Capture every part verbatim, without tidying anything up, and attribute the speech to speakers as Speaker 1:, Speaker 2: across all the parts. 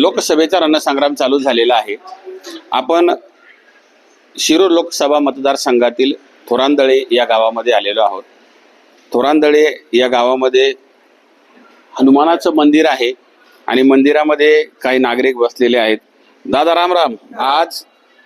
Speaker 1: लोकसभेचा रणसंग्राम चालू झालेला आहे. आपण शिरूर लोकसभा मतदारसंघातील थोरांदळे या गावामध्ये आलेलो आहोत. थोरांदळे या गावामध्ये हनुमानाचं मंदिर आहे आणि मंदिरामध्ये काही नागरिक बसलेले आहेत. दादा राम राम. आज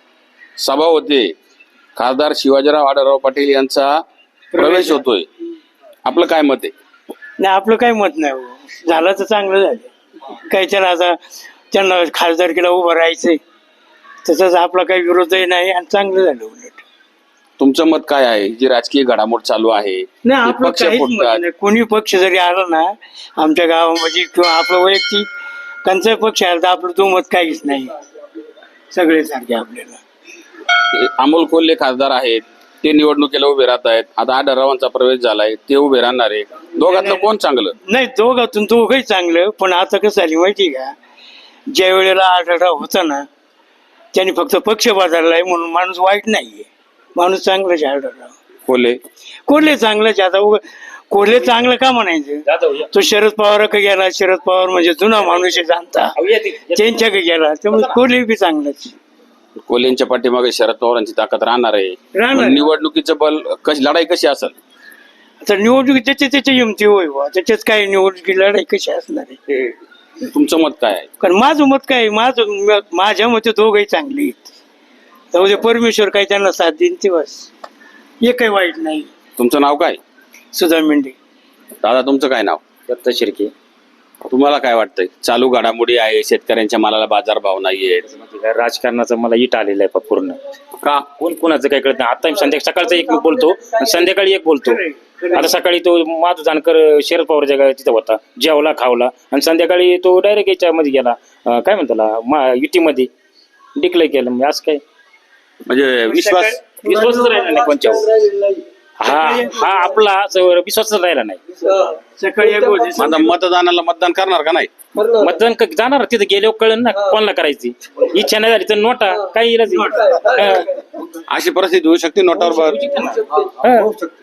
Speaker 1: सभा होते, खासदार शिवाजीराव आढळराव पाटील यांचा प्रवेश होतोय, आपलं काय मत आहे?
Speaker 2: नाही, आपलं काही मत नाही. झालं तर चांगलं झालं. काही त्याला आता त्यांना खासदारकीला उभं राहायचंय, तसंच आपला काही विरोधही नाही आणि चांगलं झालं. उलट
Speaker 1: तुमचं मत काय आहे? जी राजकीय घडामोड चालू आहे,
Speaker 2: नाही, आपलं काहीच मत नाही. कोणी पक्ष जरी आला ना आमच्या गावामध्ये किंवा आपलं वैयक्तिक त्यांचा पक्ष आला तर आपलं तो मत काहीच नाही. सगळे सारखे आपल्याला.
Speaker 1: अमोल कोल्हे खासदार आहेत, ते निवडणुकीला उभे राहत आहेत. आता आढळरावांचा प्रवेश झालाय, ते उभे राहणार आहे. दोघांचं कोण चांगलं?
Speaker 2: नाही, दोघातून दोघंही चांगलं. पण आता कसं झाली माहिती का, ज्या वेळेला आढळराव होता ना त्यांनी फक्त पक्ष बदललाय म्हणून माणूस वाईट नाहीये, माणूस चांगलाच आहे. आढळराव
Speaker 1: कोल्हे
Speaker 2: कोल्हे चांगलंच. आता कोल्हे चांगलं का म्हणायचं? तो शरद पवारकडे गेला. शरद पवार म्हणजे जुना माणूस आहे, जाणता, त्यांच्याकडे गेला. त्यामुळे कोल्हे बी चांगलंच.
Speaker 1: कोल्हेंच्या पाठीमागे शरद पवारांची ताकद राहणार आहे.
Speaker 2: राहणार.
Speaker 1: निवडणुकीचं बल कशी, लढाई कशी असेल?
Speaker 2: आता निवडणुकी त्याच्या त्याच्या हिमती होय बा, त्याच्याच काय निवडणुकी लढाई कशी असणार आहे?
Speaker 1: तुमचं मत काय आहे?
Speaker 2: कारण माझं मत काय, माझं माझ्या मते दोघंही चांगली आहेत. त्यामध्ये परमेश्वर काही त्यांना साथ देईन ते बस, हे काही वाईट नाही.
Speaker 1: तुमचं नाव काय?
Speaker 2: सुधा मेंढे.
Speaker 1: दादा तुमचं काय नाव?
Speaker 3: दत्त शिर्के.
Speaker 1: तुम्हाला काय वाटतंय? चालू घडामोडी आहे, शेतकऱ्यांच्या मालाला बाजार भाव नाहीये,
Speaker 3: राजकारणाचं मला इट आलेलं आहे पूर्ण.
Speaker 1: का?
Speaker 3: कोण कोणाचं काय कळत नाही. आता संध्याकाळी सकाळचं एक बोलतो आणि संध्याकाळी एक बोलतो. आता सकाळी तो माधू जानकर शरद पवारच्या गावात तिथं होता, जेवला खावला, आणि संध्याकाळी तो डायरेक्ट याच्यामध्ये गेला, अं, काय म्हणतो युतीमध्ये डिक्लेअर केलं. म्हणजे असं काय,
Speaker 1: म्हणजे विश्वास
Speaker 3: विश्वासच राहिला नाही कोणच्यावर. हा हा आपला विश्वासच राहिला नाही.
Speaker 2: सकाळी एक होते.
Speaker 1: आता मतदानाला मतदान करणार का नाही?
Speaker 3: मतदान क- जाणार तिथे गेल्यावर कळलं ना कोणाला करायची. इच्छा नाही झाली तर नोटा काही इलाज नाही.
Speaker 1: अशी परिस्थिती होऊ शकते नोटावर.
Speaker 3: हा.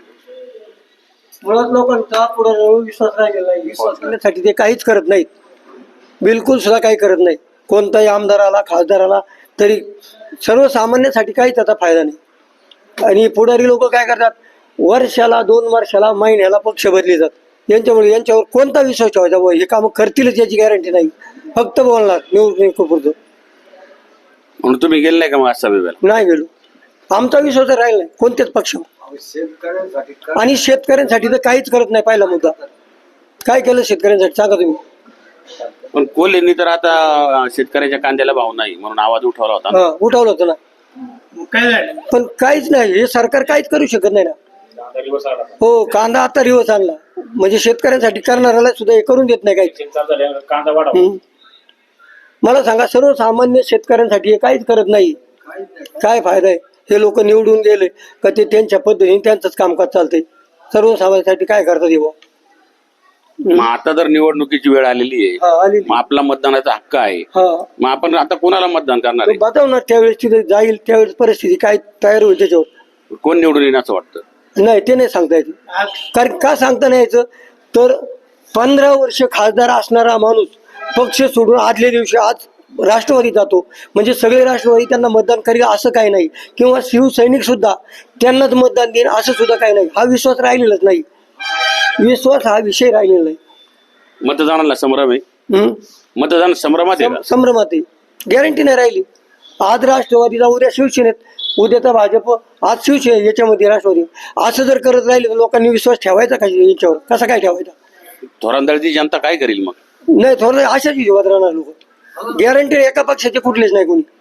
Speaker 4: मुळात लोकांचा पुढे विश्वास राहिलेला नाही. विश्वास करण्यासाठी ते काहीच करत नाहीत, बिलकुल सुद्धा काही करत नाही. कोणताही आमदार आला, खासदार आला तरी सर्वसामान्यांसाठी काहीच आता फायदा नाही. आणि पुढारी लोक काय करतात, वर्षाला दोन वर्षाला महिन्याला पक्ष बदली जातात. यांच्यामुळे यांच्यावर कोणता विश्वास ठेवायचा? व हे काम करतीलच याची गॅरंटी नाही. फक्त बोलणार निवडणुकीपुरतं.
Speaker 1: म्हणून तुम्ही गेले नाही का मग आज सभेला?
Speaker 4: नाही गेलो. आमचा विश्वास राहिला नाही कोणत्याच पक्षावर. आणि शेतकऱ्यांसाठी तर काहीच करत नाही. पहिला मुद्दा काय केलं शेतकऱ्यांसाठी सांगा तुम्ही?
Speaker 1: पण कोल्हेंनी तर आता शेतकऱ्याच्या कांद्याला भाव नाही म्हणून आवाज उठवला होता ना.
Speaker 4: हा, उठवलं होतं ना,
Speaker 2: काय झालं?
Speaker 4: पण काहीच नाही. हे सरकार काहीच करू शकत नाही ना. हो, कांदा आता रिवर्स आणला म्हणजे शेतकऱ्यांसाठी करणाऱ्याला सुद्धा हे करून देत नाही काही.
Speaker 3: कांदा वाढव.
Speaker 4: हम्म. मला सांगा, सर्वसामान्य शेतकऱ्यांसाठी हे काहीच करत नाही. काय फायदा आहे? हे लोक निवडून गेले का ते त्यांच्या पद्धतीने त्यांचंच कामकाज चालतंय. सर्वसामान्यांसाठी काय करतात हे बुवा?
Speaker 1: मग आता जर निवडणुकीची वेळ आलेली आहे,
Speaker 4: हा, आलेली.
Speaker 1: मग आपला मतदानाचा हक्क आहे,
Speaker 4: हा,
Speaker 1: मग आपण आता कोणाला मतदान करणार
Speaker 4: तो
Speaker 1: आहे?
Speaker 4: बतावणार त्यावेळेस तिथे जाईल, त्यावेळेस परिस्थिती काय तयार होईल त्याच्यावर.
Speaker 1: कोण निवडून येईल असं वाटतं?
Speaker 4: नाही, ते नाही सांगता येत. कारण का सांगता नाही यायचं तर पंधरा वर्ष खासदार असणारा माणूस पक्ष सोडून आदल्या दिवशी आज राष्ट्रवादी जातो म्हणजे सगळे राष्ट्रवादी त्यांना मतदान करेल असं काही नाही. किंवा शिवसैनिक सुद्धा त्यांनाच मतदान देईल असं सुद्धा काही नाही. हा विश्वास राहिलेलाच नाही. विश्वास हा विषय राहिलेला नाही.
Speaker 1: मतदानाला संभ्रम आहे.
Speaker 4: हम्म.
Speaker 1: मतदान संभ्रमात आहे का?
Speaker 4: संभ्रमात आहे. गॅरंटी नाही राहिली. आज राष्ट्रवादीचा, उद्या शिवसेनेत, उद्याचा भाजप, आज शिवसेना, याच्यामध्ये राष्ट्रवादी. असं जर करत राहिले तर लोकांनी विश्वास ठेवायचा का याच्यावर? कसा काय ठेवायचा?
Speaker 1: थोरांदळची जनता काय करेल मग?
Speaker 4: नाही, थोडं अशाच हिशोबात राहणार लोक. गॅरंटी एका पक्षाचे कुठलेच नाही कोणी.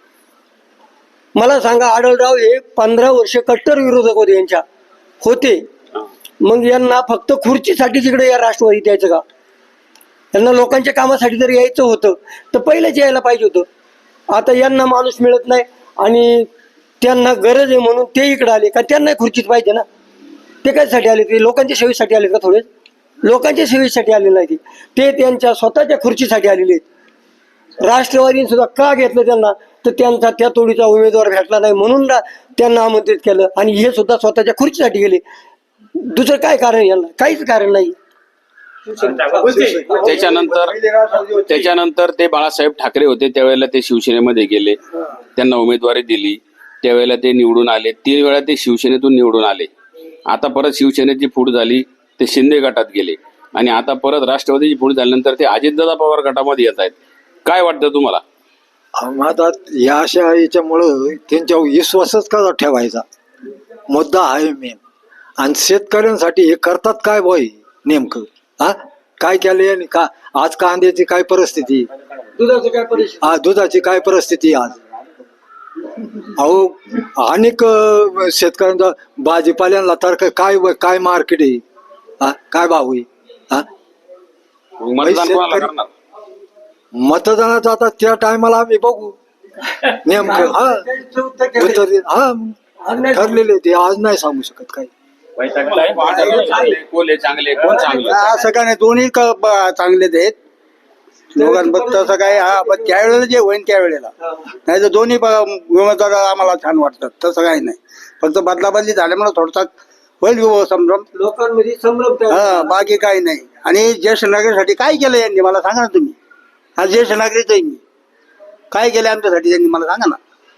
Speaker 4: मला सांगा, आढळराव हे पंधरा वर्ष कट्टर विरोधक होते यांच्या होते. मग यांना फक्त खुर्चीसाठी तिकडे या राष्ट्रवादीत यायचं का? यांना लोकांच्या कामासाठी जर यायचं होतं तर पहिलेच यायला पाहिजे होतं. आता यांना माणूस मिळत नाही आणि त्यांना गरज आहे म्हणून ते इकडे आले का? त्यांना खुर्चीच पाहिजे ना. ते कशासाठी आले? ते लोकांच्या सेवेसाठी आले का? थोडे लोकांच्या सेवेसाठी आलेले नाही. ते त्यांच्या स्वतःच्या खुर्चीसाठी आलेले आहेत. राष्ट्रवादीने सुद्धा का घेतलं त्यांना? तर त्यांचा त्या तोडीचा उमेदवार भेटला नाही म्हणून त्यांना आमंत्रित केलं. आणि हे सुद्धा स्वतःच्या खुर्चीसाठी गेले. दुसरं काय कारण? यांना काहीच कारण नाही.
Speaker 1: त्याच्यानंतर त्याच्यानंतर ते बाळासाहेब ठाकरे होते त्यावेळेला ते शिवसेनेमध्ये गेले, त्यांना उमेदवारी दिली, त्यावेळेला ते निवडून आले, तीन वेळा ते शिवसेनेतून निवडून आले. आता परत शिवसेनेची फूट झाली, ते शिंदे गटात गेले आणि आता परत राष्ट्रवादीची फूट झाल्यानंतर ते अजितदादा पवार गटामध्ये येत आहेत. काय वाटतं तुम्हाला?
Speaker 5: आता या अशा याच्यामुळं त्यांच्यावर विश्वासच कसा ठेवायचा मुद्दा आहे मेन. आणि शेतकऱ्यांसाठी हे करतात काय बोय नेमकं? हा काय केलं आणि का आज कांद्याची काय परिस्थिती,
Speaker 4: दुधाचं काय परिस्थिती?
Speaker 5: हा दुधाची काय परिस्थिती आज? अहो अनेक अं, शेतकऱ्यांचा भाजीपाल्यांना तर काय काय मार्केट आहे, हा काय भाव आहे? हा
Speaker 1: मतदान कोणाला करणार?
Speaker 5: मतदानाचं आता त्या टायमाला आम्ही बघू नेमकं. हा उत्तर हा ठरलेले ते आज नाही सांगू शकत काही.
Speaker 1: चांगले, कोल्हे चांगले, कोण चांगलं?
Speaker 6: असं काय नाही, दोन्ही क- ब- चांगलेच आहेत दोघांबद्दल. तसं काय हा पण त्यावेळेला जे होईल त्यावेळेला, नाही तर दोन्ही ब- उमेदवार आम्हाला छान वाटतात. तसं काही नाही, फक्त बदलाबदली झाल्यामुळे थोडसा होईल विभो संभ्रम.
Speaker 4: लोकांमध्ये संभ्रम तयार
Speaker 6: हा बाकी काही नाही. आणि ज्येष्ठ नागरिकांसाठी काय केलं यांनी मला सांगा ना तुम्ही. हा ज्येष्ठ नागरिक आहे मी, काय केलं आमच्यासाठी त्यांनी मला सांगा ना.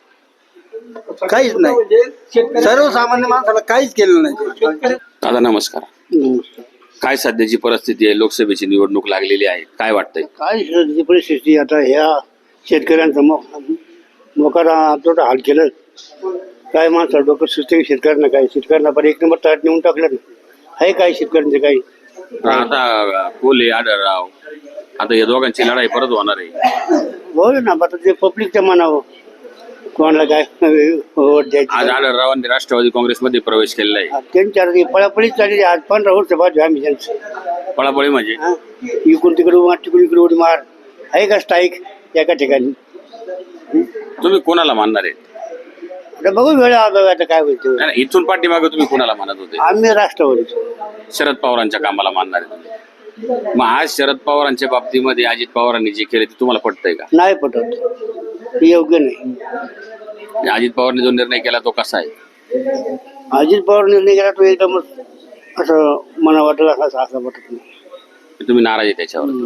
Speaker 6: काहीच नाही,
Speaker 4: शेतकरी-
Speaker 6: सर्वसामान्य माणसाला काहीच केलं नाही.
Speaker 1: दादा नमस्कार. काय सध्याची परिस्थिती आहे? लोकसभेची निवडणूक लागलेली आहे, काय वाटतंय?
Speaker 2: काय सध्याची परिस्थिती आता ह्या शेतकऱ्यांचं मो मोकारा तोटा हाल केलं. काय माणसं डोकं सुचते शेतकऱ्यांना, काय शेतकऱ्यांना पण एक नंबर ताट नेऊन टाकलं ना. आहे काय शेतकऱ्यांचं काही?
Speaker 1: आता कोल्हे आढळराव, आता या दोघांची लढाई परत होणार आहे.
Speaker 2: बोल ना, आता ते पब्लिकच्या मनावर कोणाला काय वोट
Speaker 1: आज
Speaker 2: द्यायची.
Speaker 1: आढळरावांनी राष्ट्रवादी काँग्रेसमध्ये प्रवेश केलेला आहे.
Speaker 2: त्यांच्या पळापळीच चालली आज. पंधरा वर्ष बाजू आम्ही त्यांचं.
Speaker 1: पळापळी म्हणजे
Speaker 2: हा? इकडून तिकडे मार, तिकडून इकडे उडी मार. आहे का स्ट्राईक एका ठिकाणी?
Speaker 1: तुम्ही कोणाला मानणार आहे?
Speaker 2: आता बघू वेळ आला आता काय होईल ते.
Speaker 1: नाही, नाही, इथून पाठीमागे तुम्ही कोणाला मानत होते?
Speaker 2: आम्ही राष्ट्रवादी.
Speaker 1: शरद पवारांच्या कामाला मानणार आहे तुम्ही. मग आज शरद पवारांच्या बाबतीमध्ये अजित पवारांनी जे केले ते तुम्हाला पटतंय का?
Speaker 2: नाही पटत, हे योग्य नाही.
Speaker 1: आणि अजित पवारने जो निर्णय केला तो कसा आहे?
Speaker 2: अजित पवार निर्णय केला तो एकदमच असं मला वाटलं असं असं वाटत नाही.
Speaker 1: तुम्ही नाराज आहे त्याच्यावर?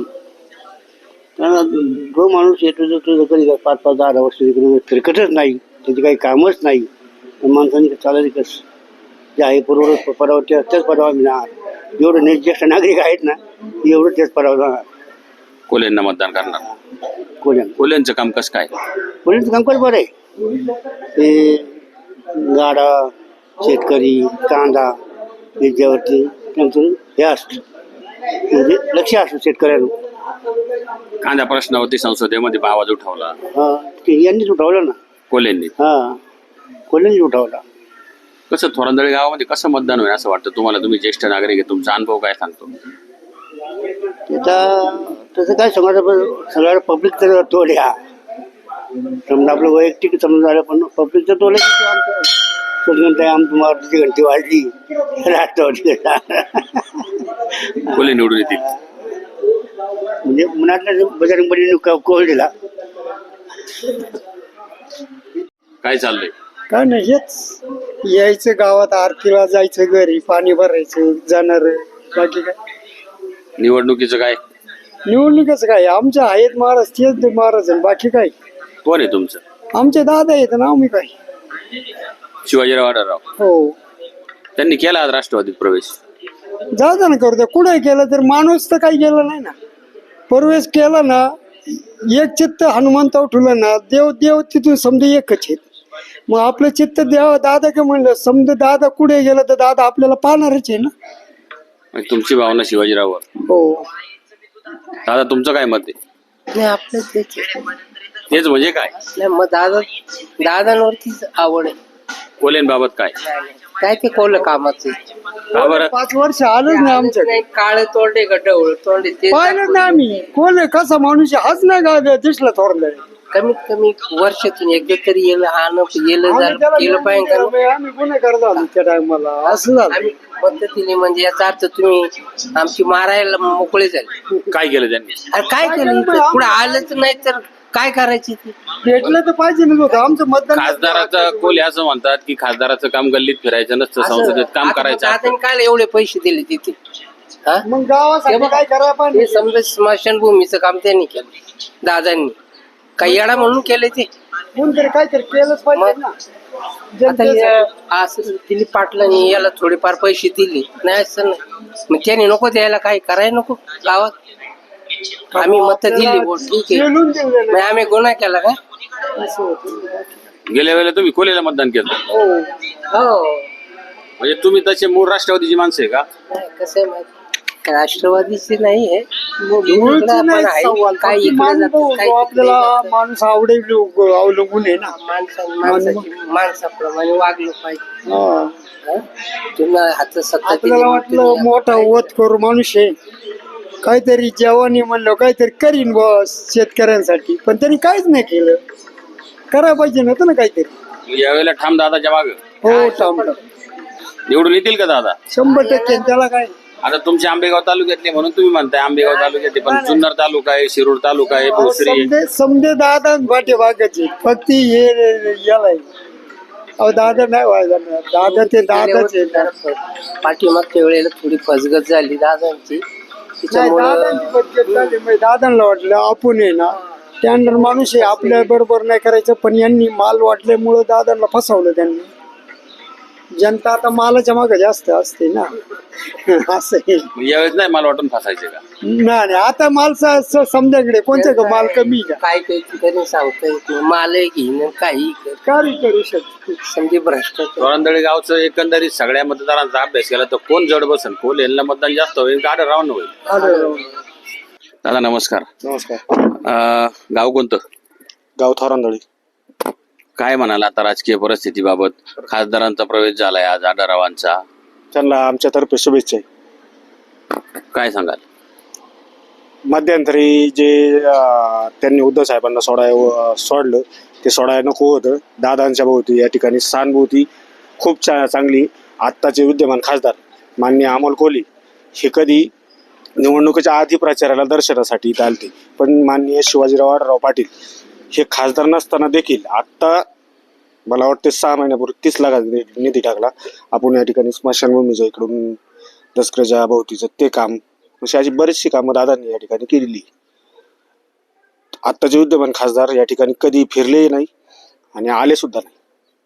Speaker 2: कारण जो माणूस येतो तो तो कधी काय पाच पाच दहा दहा वर्ष तिकडे फिरकतच नाही, त्याची काही कामच नाही. तर माणसांनी चालायचं कसं? जे आहे पूर्वज पदावर त्याच पदावर मिळणार. जेवढे ने ज्येष्ठ नागरिक आहेत ना एवढं त्याच पदावर जाणार.
Speaker 1: कोल्हेंना मतदान करणार?
Speaker 2: कोल्ह्यान
Speaker 1: कोल्हेंचं काम कसं काय?
Speaker 2: कोल्ह्यांचं कामकाज बरं आहे. ते गाडा, शेतकरी, कांदा याच्यावरती त्यांचं हे असतं, म्हणजे लक्ष असतं शेतकऱ्यांना.
Speaker 1: कांदा प्रश्नावरती संसदेमध्ये आवाज उठवला
Speaker 2: हा ते यांनीच उठवलं ना.
Speaker 1: कोल्हेंनी.
Speaker 2: हा कोल्ह्यांनीच उठवला.
Speaker 1: कसं थोरांदळे गावामध्ये कसं मतदान होईल असं वाटतं तुम्हाला? तुम्ही ज्येष्ठ नागरिक आहे, तुमचा अनुभव काय सांगतो?
Speaker 2: त्याचा तसं काय समजा सगळ्या पब्लिक तर तोल ह्या समजा आपलं वैयक्तिक समजा झालं, पण पब्लिकचं तोल आमचं सगळं आमची मारुतीची घंटी वाजली राष्ट्रवादी.
Speaker 1: कोल्हे निवडून येतील?
Speaker 2: म्हणजे मनातल्या बजरंगबलीने कोल दिला.
Speaker 1: काय चाललंय?
Speaker 4: काय नाही, हेच यायचं गावात आरतीला जायचं, घरी पाणी भरायचं, जाणार. बाकी काय
Speaker 1: निवडणुकीचं काय?
Speaker 4: निवडणुकीचं काय, आमच्या आहेत महाराज तेच ते महाराज आहे. बाकी काय
Speaker 1: कोण आहे तुमचं?
Speaker 4: आमचे दादा आहेत ना, आम्ही काय.
Speaker 1: शिवाजीराव आढळराव.
Speaker 4: हो
Speaker 1: त्यांनी केला आज राष्ट्रवादीत प्रवेश.
Speaker 4: जाता ना करू द्या, कुठे केलं तर माणूस तर काही गेला नाही ना. प्रवेश केला ना, एक चित्त हनुमंत उठवलं ना, देव देव तिथून समजा एकच आहेत. मग आपलं चित्त देव दादा का म्हणलं, समजा दादा कुठे गेलं तर दादा आपल्याला पाहणारच आहे ना.
Speaker 1: म्हणजे तुमची भावना शिवाजीराववर.
Speaker 4: हो
Speaker 1: दादा तुमचं काय मत आहे?
Speaker 7: नाही आपलं तेच आहे.
Speaker 1: तेच म्हणजे काय?
Speaker 7: नाही मग दादा दादांवरतीच आवड आहे.
Speaker 1: कोल्हेंबाबत काय?
Speaker 7: काय ते कोल कामाचं
Speaker 1: का बरं?
Speaker 4: पाच वर्ष आलंच नाही आमच्या
Speaker 7: नाही, काळे तोंडे गडवळ तोंडे ते
Speaker 4: पाहिलं ना आम्ही. कोण कसा माणूस आहे, हाच नाही का दिसला थोरला.
Speaker 7: कमीत कमी वर्षातून एकदा तरी येलं आणं येलं झालं केलं पाहिजे का?
Speaker 4: आम्ही गुन्हेगार झालो त्या टायमाला, असं झालं.
Speaker 7: आम्ही पद्धतीने म्हणजे याचा अर्थ तुम्ही आमची मारायला मोकळे झाले.
Speaker 1: काय केलं त्यांनी?
Speaker 7: अरे काय केलं इथं? पुढे आलंच नाही तर काय करायची ती?
Speaker 4: भेटलं तर पाहिजे ना होतं आमचं मतदान.
Speaker 1: खासदाराचं कोल्हे असं म्हणतात की खासदाराचं काम गल्लीत फिरायचं नसतं, संसदेत काम करायचं.
Speaker 7: दादाने काय एवढे पैसे दिले तिथे? हा
Speaker 2: मग गावासाठी काय करा पण
Speaker 7: ते समजा स्मशानभूमीचं काम त्यांनी केलं दादांनी काही येडा म्हणून केले ते
Speaker 2: कोणतरी काहीतरी केलंच पाहिजे ना
Speaker 7: आता
Speaker 2: जनतेसाठी.
Speaker 7: हे असं दिलीप पाटलांनी याला थोडेफार पैसे दिले नाही असं नाही मग त्याने नको द्यायला काही करायला नको गावात आम्ही मत दिली बोल ठीक आहे
Speaker 2: पेलून दिलेलं
Speaker 7: मग आम्ही गुन्हा केला का
Speaker 2: आहे. असं होतं.
Speaker 1: गेल्या वेळेला तुम्ही कोलेला मतदान केलं
Speaker 2: हो
Speaker 7: हो
Speaker 1: म्हणजे तुम्ही तसे मूळ राष्ट्रवादीची माणसं आहे का?
Speaker 7: नाही, कसं आहे माहिती राष्ट्रवादीचे नाही आहे
Speaker 2: मूळचं
Speaker 7: आपण
Speaker 2: नाही
Speaker 7: आहे.
Speaker 2: सवाल.
Speaker 7: काही
Speaker 2: फक्त
Speaker 7: इकडे
Speaker 2: माणूस
Speaker 7: जातं,
Speaker 2: बघू,
Speaker 7: काही
Speaker 2: आपल्याला
Speaker 7: तिकडे जातं.
Speaker 2: माणूस आवडेल अवलंबून आहे ना.
Speaker 7: माणसा माणसाची माणसाप्रमाणे वागलं पाहिजे
Speaker 2: हा.
Speaker 7: हा? तुम्ही हातात सत्ता केली
Speaker 2: आपल्याला
Speaker 7: म्हणून
Speaker 2: वाटलं
Speaker 7: तुम्ही
Speaker 2: मोठा
Speaker 7: काय-
Speaker 2: वध करू माणूस आहे काहीतरी जेवणी म्हणलं काहीतरी करीन बस शेतकऱ्यांसाठी पण त्यांनी काहीच नाही केलं करायला पाहिजे नव्हतं ना काहीतरी.
Speaker 1: यावेळेला ठाम दादाच्या माग
Speaker 2: हो थांब
Speaker 1: निवडून येतील का दादा?
Speaker 2: शंभर टक्के आणि त्याला काय
Speaker 1: आता तुमचे आंबेगाव तालुक्यातले म्हणून तुम्ही म्हणताय आंबेगाव तालुक्यातले पण जुन्नर तालुका आहे, शिरूर तालुका आहे, भोसरी आहे.
Speaker 2: समजे समजे दादा पाठीमागाचे फक्त हे याला आहे. अहो दादा नाही व्हायला ना. दादा ते दादाच आहे ना.
Speaker 7: पाठीमागच्या वेळेला थोडी फसगत झाली दादांची
Speaker 2: नाही,
Speaker 7: त्याच्यामुळं
Speaker 2: दादांची बदली झाली. म्हणजे दादांना वाटलं आपण आहे ना त्यानंतर माणूस आहे आपल्या बरोबर नाही करायचं पण यांनी माल वाटल्यामुळं दादांना फसवलं त्यांनी. जनता आता मालाच्या मागे जास्त असते ना असं आहे.
Speaker 1: मग यावेळेस नाही मला वाटून फसायचे का?
Speaker 2: नाही नाही, आता माल स- स- समजाकडे कोणत्या का माल कमी का
Speaker 7: काय काही ठिकाणी सांगता येत नाही मालही घेईन काही
Speaker 2: काय करू शकतो.
Speaker 7: समजे भ्रष्टाचार
Speaker 1: तोरणदळे गावचं एकंदरीत सगळ्या मतदारांचा अभ्यास केला तर कोण जड बसन कोण यांना मतदान जास्त होईल का राऊंड होईल?
Speaker 2: आढळराव.
Speaker 1: दादा नमस्कार.
Speaker 8: नमस्कार.
Speaker 1: अं, गाव कोणतं?
Speaker 8: गाव थोरांदळी.
Speaker 1: काय म्हणाल आता राजकीय परिस्थितीबाबत? खासदारांचा प्रवेश झालाय आज आढळरावांचा,
Speaker 8: त्यांना आमच्यातर्फे शुभेच्छा आहे.
Speaker 1: काय सांगाल?
Speaker 8: मध्यंतरी जे अं, त्यांनी उद्धव साहेबांना सोडाय सोडलं ते सोडायला नको होतं. दादांच्या भोवती या ठिकाणी सहानुभूती खूप चा चांगली. आत्ताचे विद्यमान खासदार माननीय अमोल कोल्हे हे कधी निवडणुकीच्या आधी प्रचाराला दर्शनासाठी इथं आलते पण माननीय शिवाजीराव आढळराव पाटील हे खासदार नसताना देखील आत्ता मला वाटते सहा महिन्यापूर्वी तीस लाखाचा निधी टाकला आपण या ठिकाणी स्मशानभूमीच्या इकडून दसकरच्या भोवतीचं ते काम अशी अशी बरीचशी कामं दादांनी या ठिकाणी केलेली. आत्ताचे विद्यमान खासदार या ठिकाणी कधी फिरलेही नाही आणि आले सुद्धा नाही.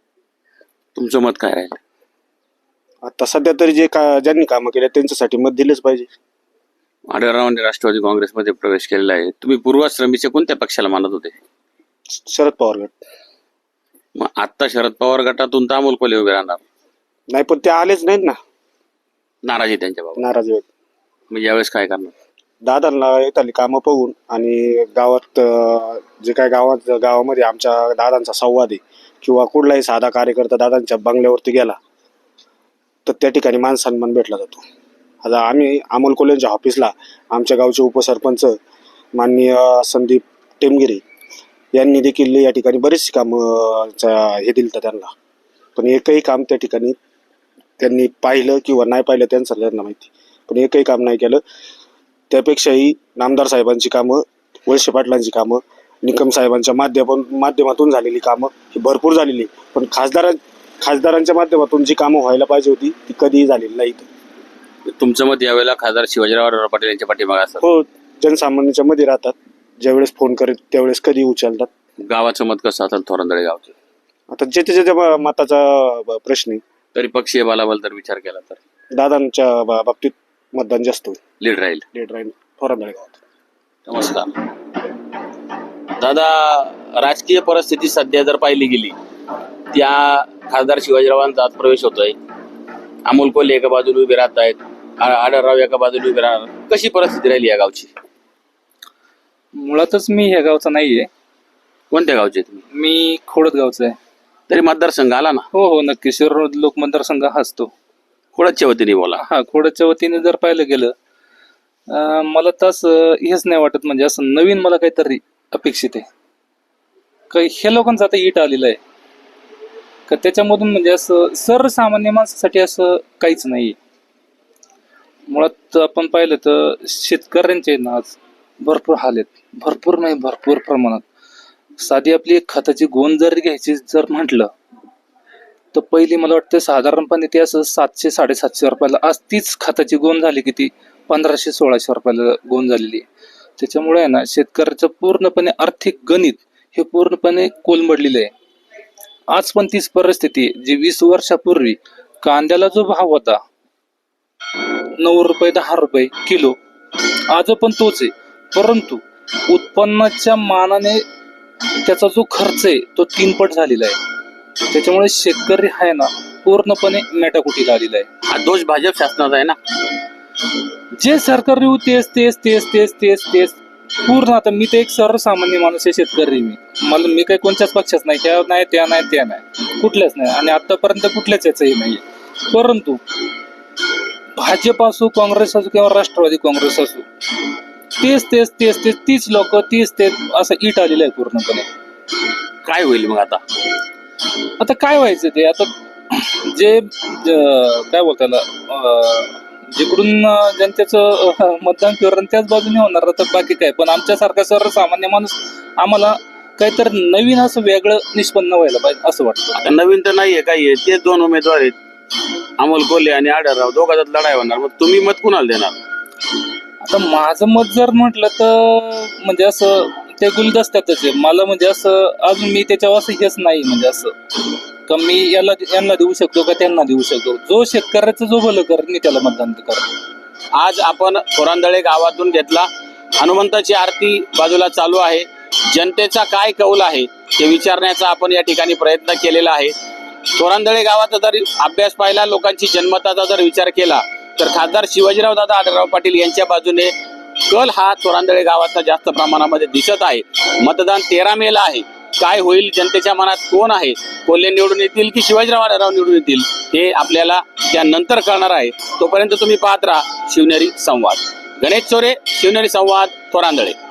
Speaker 1: तुमचं मत काय राहील?
Speaker 8: आता सध्या तरी जे का ज्यांनी कामं केल्या त्यांच्यासाठी मत दिलेच पाहिजे.
Speaker 1: आढळरावांनी राष्ट्रवादी काँग्रेसमध्ये प्रवेश केलेला आहे. तुम्ही पूर्वाश्रमीच्या कोणत्या पक्षाला मानत होते?
Speaker 8: शरद पवार गट.
Speaker 1: मग आता शरद पवार गटातून तर अमोल कोल्हे उभे राहणार,
Speaker 8: नाही पण ते आलेच नाहीत ना.
Speaker 1: नाराजी त्यांच्या बाबा.
Speaker 8: नाराज आहेत.
Speaker 1: मग यावेळेस काय करणार?
Speaker 8: दादांना येताली कामं बघून आणि गावात अं, जे काय गावात गावामध्ये आमच्या दादांचा संवाद आहे किंवा कुठलाही साधा कार्यकर्ता दादांच्या बंगल्यावरती गेला तर त्या ठिकाणी मान सन्मान भेटला जातो. आता आम्ही अमोल कोल्हेंच्या ऑफिसला आमच्या गावचे उपसरपंच माननीय संदीप टेमगिरे यांनी देखील या ठिकाणी बरीचशी कामं हे दिलं त्यांना पण एकही काम त्या ठिकाणी त्यांनी पाहिलं किंवा नाही पाहिलं त्यांचं त्यांना माहिती पण एकही काम नाही केलं. त्यापेक्षाही नामदार साहेबांची कामं, वळसे पाटलांची कामं, निकम साहेबांच्या माध्यमातून माध्यमातून झालेली कामं ही भरपूर झालेली पण खासदार खासदारांच्या माध्यमातून जी कामं व्हायला पाहिजे होती ती कधीही झालेली नाहीत.
Speaker 1: तुमचं मत यावेळेला खासदार शिवाजीराव आढळराव पाटील यांच्या पाठीमागे असतात?
Speaker 8: हो, जनसामान्यांच्या मध्ये राहतात. ज्यावेळेस फोन करेल त्यावेळेस कधी उचलतात.
Speaker 1: गावाचं मत कसं असेल तोरणदळे गावचं?
Speaker 8: आता जे त्याच्या मताचा प्रश्न आहे.
Speaker 1: तरी पक्षीय बलाबल जर विचार केला तर
Speaker 8: दादांच्या बा- बाबतीत मतदान जास्त होईल.
Speaker 1: लीड राहील.
Speaker 8: लेट राहील थोरांदळे गावात.
Speaker 1: नमस्कार दादा. राजकीय परिस्थिती सध्या जर पाहिली गेली त्या खासदार शिवाजीरावांचा आज प्रवेश होतोय. अमोल कोल्हे एका बाजूला उभे राहत आहेत, आढळराव एका बाजूला उभे राहणार. कशी परिस्थिती राहिली या गावची?
Speaker 9: मुळातच मी ह्या गावचा नाहीये.
Speaker 1: कोणत्या गावचे तुम्ही?
Speaker 9: मी खोडद गावचा आहे.
Speaker 1: तरी मतदारसंघ आला ना?
Speaker 9: हो हो नक्की. शिरोळ लोक मतदारसंघ हाच तो.
Speaker 1: खोडदच्या वतीने बोला.
Speaker 9: हा, खोडदच्या वतीने जर पाहिलं गेलं अं, मला तसं हेच नाही वाटत म्हणजे असं नवीन मला काहीतरी अपेक्षित आहे का ह्या लोकांचं आता इट आलेलं आहे का त्याच्यामधून म्हणजे असं सर्वसामान्य माणसासाठी असं काहीच नाही. मुळात आपण पाहिलं तर शेतकऱ्यांचे ना आज भरपूर हाल आहेत. भरपूर नाही भरपूर प्रमाणात. साधी आपली एक खताची गोण जर घ्यायची जर म्हटलं तर पहिली मला वाटतं साधारणपणे ती असं सातशे साडेसातशे रुपयाला आज तीच खताची गोण झाली की ती पंधराशे सोळाशे रुपयाला गोण झालेली आहे. त्याच्यामुळे आहे ना शेतकऱ्याचं पूर्णपणे आर्थिक गणित हे पूर्णपणे कोलमडलेलं आहे. आज पण तीच परिस्थिती आहे जी वीस वर्षापूर्वी कांद्याला जो भाव होता नऊ रुपये दहा रुपये किलो, आज पण तोच आहे. परंतु उत्पन्नाच्या मानाने त्याचा जो खर्च आहे तो तीनपट झालेला आहे. त्याच्यामुळे शेतकरी आहे ना पूर्णपणे मेटाकुटीला आलेला आहे.
Speaker 1: हा दोष भाजप शासनाचा आहे ना.
Speaker 9: जे सरकार येऊ तेच तेच तेच तेच तेच तेच पूर्ण. आता मी तर एक सर्वसामान्य माणूस आहे, शेतकरी मी. मला मी काही कोणत्याच पक्षात नाही, त्या नाही त्या नाही त्या नाही कुठल्याच नाही आणि आतापर्यंत कुठल्याच याचंही नाही. परंतु भाजप असो, काँग्रेस असो किंवा राष्ट्रवादी काँग्रेस असो, तेच तेच तेच तेच तीच लोक तीच तेच असं इट आलेलं आहे पूर्णपणे.
Speaker 1: काय होईल मग आता?
Speaker 9: आता काय व्हायचं ते आता जे ज- काय बोलताय जिकडून जनतेचं मतदान फिरलं त्याच बाजूने होणार तर बाकी काय. पण आमच्यासारखा सर्वसामान्य माणूस आम्हाला काहीतरी नवीन असं वेगळं निष्पन्न व्हायला पाहिजे असं वाटतं.
Speaker 1: आता नवीन तर नाहीये काही आहे, तेच दोन उमेदवार आहेत, अमोल कोल्हे आणि आढळराव. दोघांच्यात लढाई होणार. मग तुम्ही मत कुणाला देणार?
Speaker 9: आता माझं मत जर म्हटलं तर म्हणजे असं ते गुलदस्त्यातच आहे. मला म्हणजे असं अजून मी त्याच्यावर असं हेच नाही म्हणजे असं का मी याला यांना देऊ शकतो का त्यांना देऊ शकतो. जो शेतकऱ्याचं जो भलं कर मी त्याला मतदान कर.
Speaker 1: आज आपण थोरांदळे गावातून घेतला. हनुमंताची आरती बाजूला चालू आहे. जनतेचा काय कौल आहे ते विचारण्याचा आपण या ठिकाणी प्रयत्न केलेला आहे. थोरांदळे गावाचा जर अभ्यास पाहिला, लोकांची जन्मताचा जर विचार केला तर खासदार शिवाजीराव दादा आढळराव पाटील यांच्या बाजूने कल हा थोरांदळे गावाचा जास्त प्रमाणामध्ये दिसत आहे. मतदान तेरा मेला आहे. काय होईल, जनतेच्या मनात कोण आहे, कोल्हे निवडून येतील की शिवाजीराव आढळराव निवडून येतील हे आपल्याला त्यानंतर कळणार आहे. तोपर्यंत तुम्ही पाहत राहा शिवनेरी संवाद. गणेश चोरे, शिवनेरी संवाद, थोरांदळे.